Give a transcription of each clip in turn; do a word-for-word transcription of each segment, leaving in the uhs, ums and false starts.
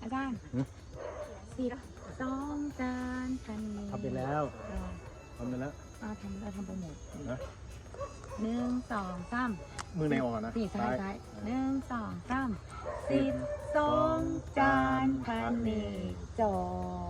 อาจารย์สี่สองจานพันนี้ทำไปแล้วทำไปแล้วอ่าทำเราทำโปรโมทนะหนึ่งสองสามมือในอ่อนนะสี่ซ้ายซ้ายหนึ่งสองสามสิบสองจานพันนี้จอน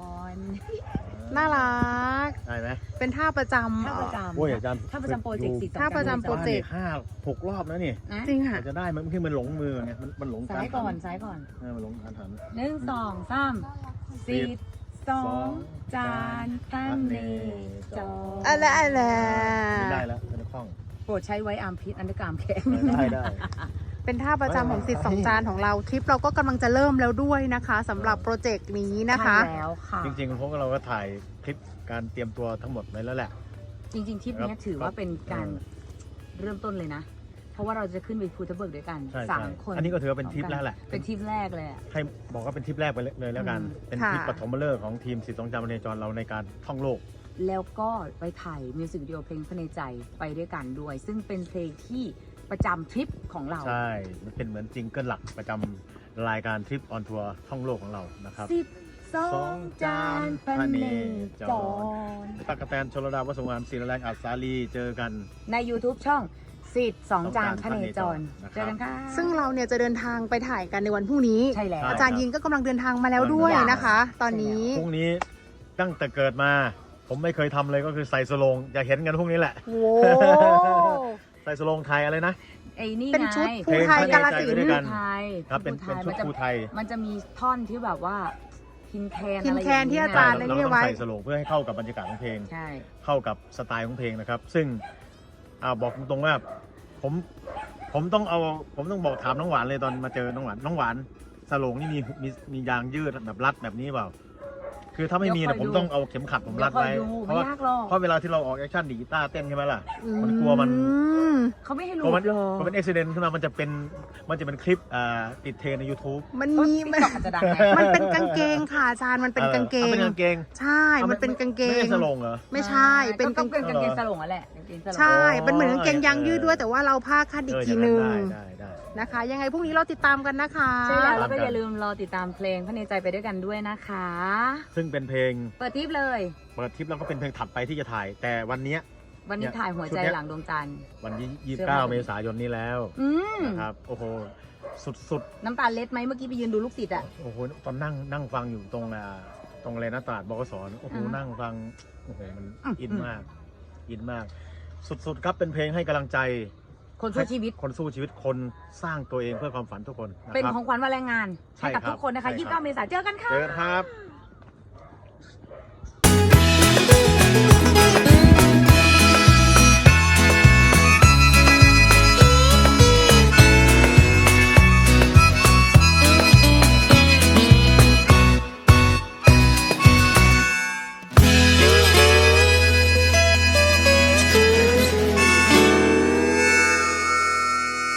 น่ารักได้ไหมเป็นท่าประจำท่าประจำโอ้ยอาจารย์ท่าประจำโปรเจกต์สี่สองท่าประจำโปรเจกต์ห้าหกรอบแล้วนี่นะจริงค่ะจะได้มันคือมันหลงมือไงมันมันหลงซ้ายก่อนซ้ายก่อนเออมันหลงการหันหนึ่งสองสามสิบสองจานพันนี้จอนอะไรอะไรไม่ได้แล้วเป็นคล่องโปรดใช้ไว้อาร์มพิษอันดรกรามแข็งได้ได้เป็นท่าประจำของสิทธิ์สองจานของเราทริปเราก็กำลังจะเริ่มแล้วด้วยนะคะสำหรับโปรเจกต์นี้นะคะใช่แล้วค่ะจริงๆพวกเราก็ถ่ายคลิปการเตรียมตัวทั้งหมดไว้แล้วแหละจริงๆทริปเนี้ยถือว่าเป็นการเริ่มต้นเลยนะ เพราะว่าเราจะขึ้นไปภูทับเบิกด้วยกันใช่สาใช่มคนอันนี้ก็ถือว่าเป็นทริปแล้วแหละเป็นทริปแรกเลยอะให้บอกว่าเป็นทริปแรกไปเลยแล้วกันอืมเป็นทริปปฐมฤกษ์ของทีมสิทธิ์สองจามเนจรเราในการท่องโลกแล้วก็ไปถ่ายมิวสิกวิดีโอเพลงพระในใจไปด้วยกันด้วย ซึ่งเป็นเพลงที่ประจำทริปของเราใช่ มันเป็นเหมือนจิงเกิลหลักประจำรายการทริปออนทัวร์ท่องโลกของเรานะครับสิบสองจานพันเนจรตั๊กแตนชลดาวัสงานศิลแรงอัศสาลีเจอกันใน YouTube ช่องสิทธิ์สองจานพระเนจรนะครับเจอกันค่ะซึ่งเราเนี่ยจะเดินทางไปถ่ายกันในวันพรุ่งนี้ใช่แล้วอาจารย์ยินก็กำลังเดินทางมาแล้วด้วยนะคะ ตอนนี้พรุ่งนี้ตั้งแต่เกิดมา ผมไม่เคยทำเลยก็คือใส่สโลงจะเห็นกันพรุ่งนี้แหละโว้ใส่สโลงไทยอะไรนะไอ้นี่เป็นไงชุดภูไทยกาลสินด้วยธุ์กันไทยครับเป็นเป็นชุดมัจะภูไทยมันจะมีท่อนที่แบบว่าพินแคนพินอะไรแคนที่อาจารย์เรานี่ต้องไว้ใส่สโลงเพื่อให้เข้ากับบรรยากาศของเพลงใช่เข้ากับสไตล์ของเพลงนะครับ ซึ่งอ่าบอกตรงๆว่าผมผมต้องเอาผมต้องบอกถามน้องหวานเลยตอนมาเจอน้องหวานน้องหวานสโลงนี่มีมีมียางยืดแบบรัดแบบนี้เปล่าคือถ้าไม่มีเดี๋นะยวผคอยมดูต้องเอาเข็มขัดผมรัดไว้เดี๋ยวคอยดูเพราะว่าไม่ยากหรอกเพราะเวลาที่เราออกแอคชั่นดีดกีตาร์เต้นใช่ไหมล่ะ มันกลัวมันอืมเขาไม่ให้หลุพอมันดหรอกพอเป็นอุบิเหตุขึ้นมามันจะเป็นมันจะเป็นคลิปอ่าติดเทรนด์ใน YouTube มันต้นมีติ๊กมันต็อกอาจจะดังไงมันเป็นกางเกงค่ะอาจารย์มันเป็นกางเกอองเป็นกางเกงใช่ มันเป็นกางเกไม่งได้สโลงเหรอไม่ใช่ เป็นก็กางเป็นกางเกงสลงนั่นแหละกางเกงสลงใช่ เป็นเหมือนกางเกงยางยืดด้วยแต่ว่าเราผ้าคาดอีกทีนึงได้ได้นะคะ ยังไงพรุ่งนี้เราติดตามกันนะคะใช่แล้วแล้วก็อย่าลืมรอติดตามเพลงพระในใจไปด้วยกันด้วยนะคะซึ่งเป็นเพลงเปิดทริปเลยเปิดทริปแล้วก็เป็นเพลงถัดไปที่จะถ่าย แต่วันเนี้ยวันนี้ถ่ายหัวใจหลังดวงจันทร์วันที่ยี่สิบเก้าเมษายนนี้แล้วอืมนะครับโอ้โหสุดน้ำตาลเล็ดไหมเมื่อกี้ไปยืนดูลูกศิษย์อ่ะๆโอ้โหตอนนั่งนั่งฟังอยู่ตรงอ่าตรงอะไรนะตลาดบกสโอ้โหอ่าฮะนั่งฟังโอ้โหมันอืมอินมาก อินมาก สุดๆครับเป็นเพลงให้กำลังใจคนสู้ชีวิตคนสู้ชีวิตคนสร้างตัวเองเพื่อความฝันทุกคนนะเป็นครับของขวัญวันแรงงานใช่ให้กับครับทุกคนนะคะใช่ครับยี่สิบเก้าเมษายนเจอกันค่ะเจอกันครับ